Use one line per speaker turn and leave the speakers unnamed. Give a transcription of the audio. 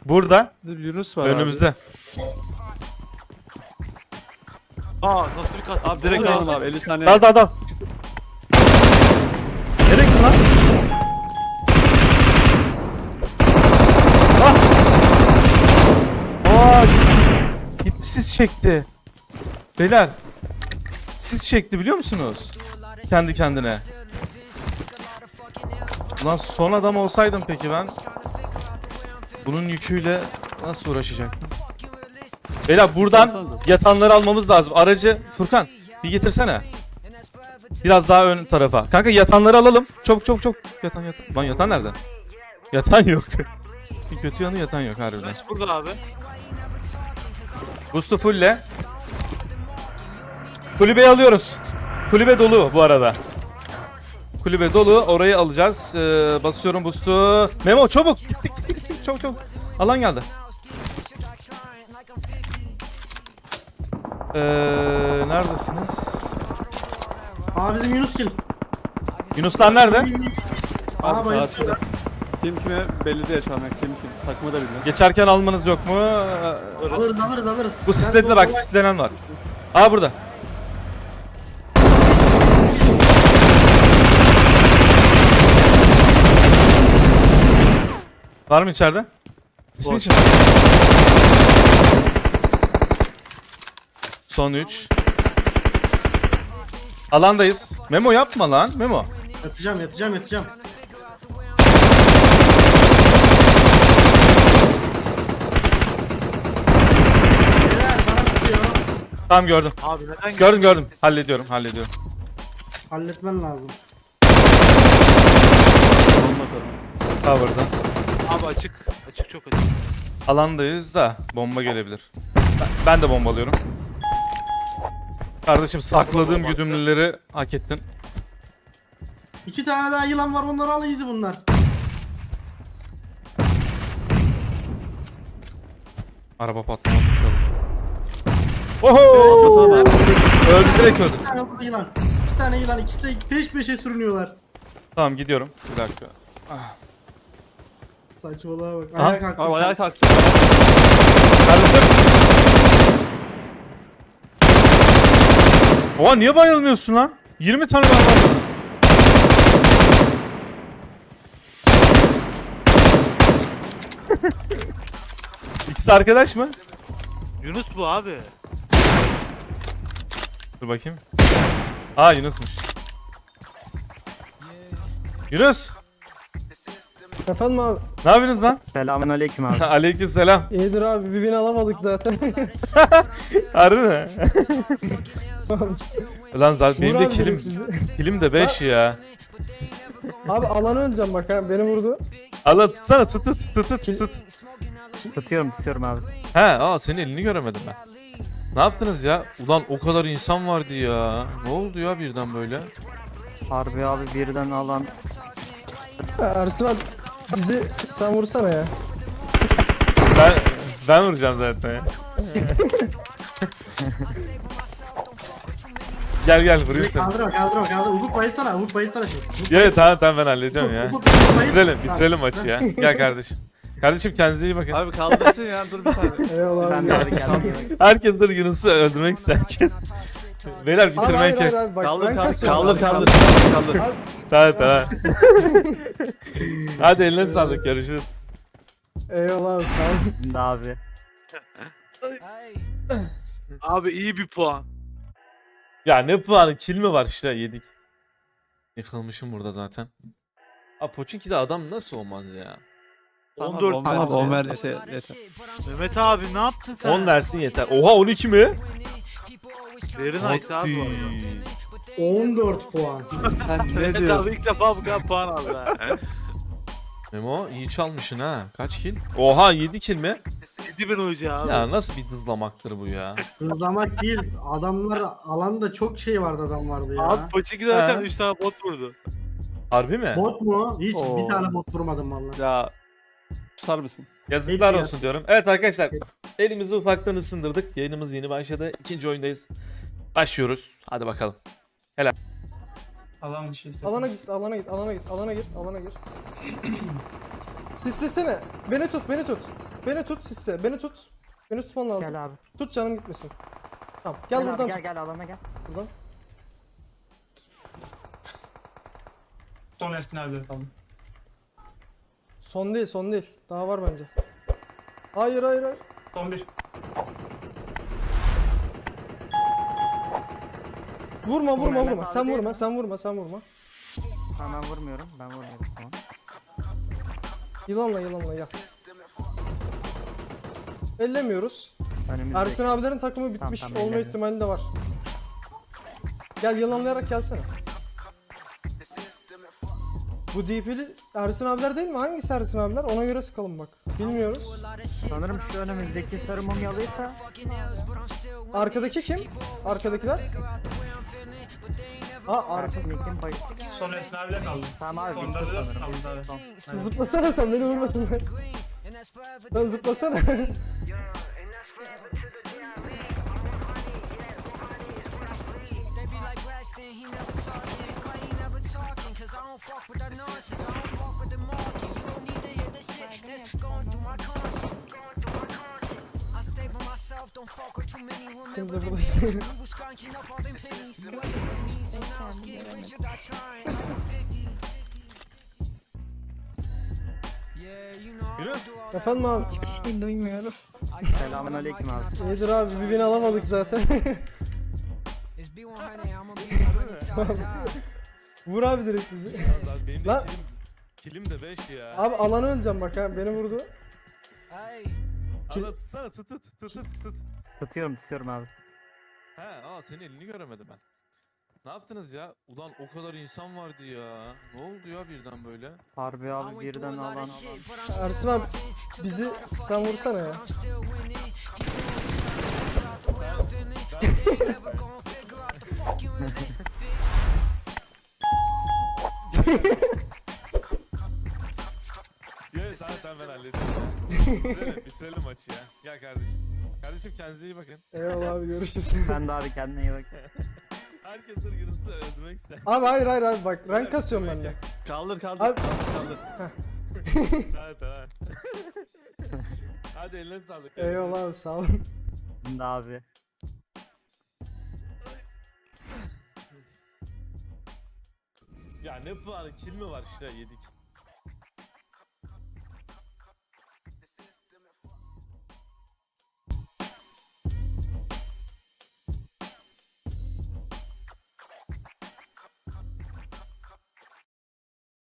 Burada.
Yunus var
Önümüzde.
Aa nasıl bir kat?
Abi direkt alalım abi 50 saniye.
Dal. Nereye gittin lan? Ah! Aa! Gitti, sis çekti. Beyler. Sis çekti biliyor musunuz? Kendi kendine. Ulan son adam olsaydım peki ben. Bunun yüküyle nasıl uğraşacaktım? Beyler buradan yatanları almamız lazım. Aracı Furkan bir getirsene. Biraz daha ön tarafa. Kanka yatanları alalım. Çok. Yatan. Lan yatan nerede? Yatan yok. Kötü yanı yatan yok harbiden.
Flash burada abi.
Boost'u fullle. Kulübeyi alıyoruz. Kulübe dolu bu arada. Kulübe dolu. Orayı alacağız. Basıyorum boost'u. Memo çabuk. Gittik. Çok. Alan geldi. Neredesiniz?
Aa bizim Yunus kill.
Yunuslar nerede?
Aha
Abi
bayıldı.
karşıda. Kim kime belli değil şu an. Kim takımı da bilmiyor.
Geçerken almanız yok mu?
Alırız.
Bu sisledi bak, sislenen var. Aa burada. Var mı içeride? Sisin içinde. Son 3. Alandayız. Memo yapma lan. Memo.
Yatacağım. Beyler bana sıkıyor.
Tamam gördüm.
Abi neden
Gördüm. Hallediyorum.
Halletmen lazım.
Bomba atalım.
Cover'da.
Abi açık. Açık çok açık.
Alandayız da bomba gelebilir. Ben de bombalıyorum. Kardeşim sakladığım güdümlüleri hak ettin.
2 tane daha yılan var, onları al, easy bunlar.
Araba patlamak Oho! Öldü, direkt öldü.
2 tane burada yılan. 2 tane yılan, ikisi de peş peşe sürünüyorlar.
Tamam gidiyorum. Bir dakika.
Saçmalığa bak.
Aha.
Ayağa kalktı.
Abi ayağa kalktı.
Kardeşim. Oha niye bayılmıyorsun lan? 20 tane var. İkisi arkadaş mı?
Yunus bu abi.
Dur bakayım. Aa Yunus'muş. Yunus.
Efendim abi.
Ne yapıyorsunuz lan?
Selamünaleyküm abi.
Aleykümselam.
İyidir abi, bir bin alamadık zaten.
Harbi mi? Ulan zaten benim de
Vur abi
kilim,
sizi.
kilim de 5 ya.
Abi alanı öleceğim bak ha, beni vurdu.
Allah tutsana tut.
Tutuyorum abi.
He senin elini göremedim ben. Ne yaptınız ya? Ulan o kadar insan vardı ya. Ne oldu ya birden böyle?
Harbi abi, birden alan. Ersin abi, bizi sen vursana ya.
Ben vuracağım zaten ya. Gel vurayım seni.
Kaldırma. Ufuk bayılsana şimdi.
Ya tamam ben halledeceğim ya.
Ufuk bayıl.
Bitirelim maçı ya. Gel kardeşim. Kardeşim kendinize iyi bakın.
Abi kaldırsın ya dur bir saniye.
Eyvallah abi.
Herkes dur Yunus'u öldürmek ister herkes. Beyler
Abi
bitirmeye
hayır
çek.
abi bak.
Kaldır
ben
kaldır
kaçıyorum
kaldır
abi.
kaldır.
Tamam. Hadi eline sağlık, görüşürüz.
Eyvallah abi, sağ ol.
Abi.
Abi iyi bir puan.
Ya ne puanı, kill mi var işte, yedik. Yıkılmışım burada zaten. Pochinki'de adam nasıl olmaz ya?
14
Abi
puan.
10 verdiyse yeter.
Mehmet abi ne yaptın sen?
10 versin yeter. Oha 12 mi?
Very nice abi bu arada.
14 puan.
Sen ne
Mehmet
diyorsun?
abi ilk defa bu kadar puan aldı ha.
Memo iyi çalmışsın ha. Kaç kill? Oha 7 kill mi?
7000 oyuncu abi.
Ya nasıl bir dızlamaktır bu ya?
Hızlamak değil. Adamlar alanda çok şey vardı, adam vardı ya.
Abi Pochinki'de zaten
He.
3 tane bot vurdu.
Harbi mi?
Bot mu? Hiç
Oo.
bir tane bot vurmadım vallahi.
Ya susar mısın?
Yazıklar
Hepsi
olsun diyorum. Evet arkadaşlar, elimizi ufaktan ısındırdık. Yayınımız yeni başladı. İkinci oyundayız. Başlıyoruz. Hadi bakalım.
Alana git. Alana gir. Sislesene. Beni tut.
beni tut siste. Beni tut. Beni tutman lazım.
Gel abi.
Tut canım gitmesin. Tamam gel
Gel
buradan
abi,
tut.
gel alana gel.
Buradan.
Son Ersin abileri kaldı.
Son değil son değil. Daha var bence. Hayır hayır hayır.
Son bir.
Vurma vurma
Mehmet
vurma.
abi
Sen
değil
vurma
mi?
sen vurma sen vurma.
Tamam ben vurmuyorum. Ben vurmuyorum tamam.
Yılanla yılanla gel. Ellemiyoruz.
Önümüzde.
Ersin abilerin takımı bitmiş
Tamam,
olma
ellemiyorum.
ihtimali de var. Gel yılanlayarak gelsene. Bu DP'li Ersin abiler değil mi? Hangisi Ersin abiler? Ona göre sıkalım bak. Bilmiyoruz.
Sanırım şu önümüzdeki sarı mumyalıysa
Arkadaki kim? Arkadakiler? Aa arka.
Ersin kim bayı.
Son Ersin abiler kaldı.
Tamam abi,
Sonda
bitti
da
sanırım.
kaldı abi.
Son.
Zıplasana sen beni vurmasın. Lan zıplasana.
They be like Blaston, he never talking. Why he never talking? Cause I don't fuck with that nonsense. I don't fuck with the market. You don't need to hear the shit that's going through my conscience. I stay by myself, don't fuck with too many women.
Kimse
With them
buradaysa.
pennies. We was scrunching up all them pennies. It wasn't with me, so now I'm getting rich without trying. Like I'm 50. Yeah, you know I don't do all that.
Efendim abi.
Şey duymuyorum.
I get
Selamünaleyküm abi.
İyidir abi bir bin alamadık zaten.
It's B100, I'ma be the honey top dog.
Vur abi direkt bizi.
Lan benim
Lan-
de kilim de 5 ya.
Abi alanı öleceğim bak ha beni vurdu.
Hey.
Ana tutsana tut.
Tutuyorum abi.
He senin elini göremedim ben. Ne yaptınız ya? Ulan o kadar insan vardı ya. Ne oldu ya birden böyle?
Harbi
I
abi
went
birden
through a lot
alan.
of shit, but I'm still
Ersin abi
Took
bizi
a lot of
sen
fucking
vursana ya.
L's, but I'm still winning. People figure out the way I'm feeling, but they ain't never gonna figure out the fuck you in this bitch.
Yok tamam ben hallederim. Bitirelim maçı ya. Gel kardeşim. Kardeşim kendinize iyi bakın.
Eyvallah abi görüşürüz.
Ben de abi kendine iyi bak.
Herkes ırgınızı öldürmek ister.
Abi hayır hayır abi bak rank kasıyorum ben de.
Kaldır kaldır.
Abi
Kaldır.
Tamam. Hadi eline sağlık.
eyvallah abi sağ olun.
Ben de abi.
Ya ne puanı kill mi var işte yedik.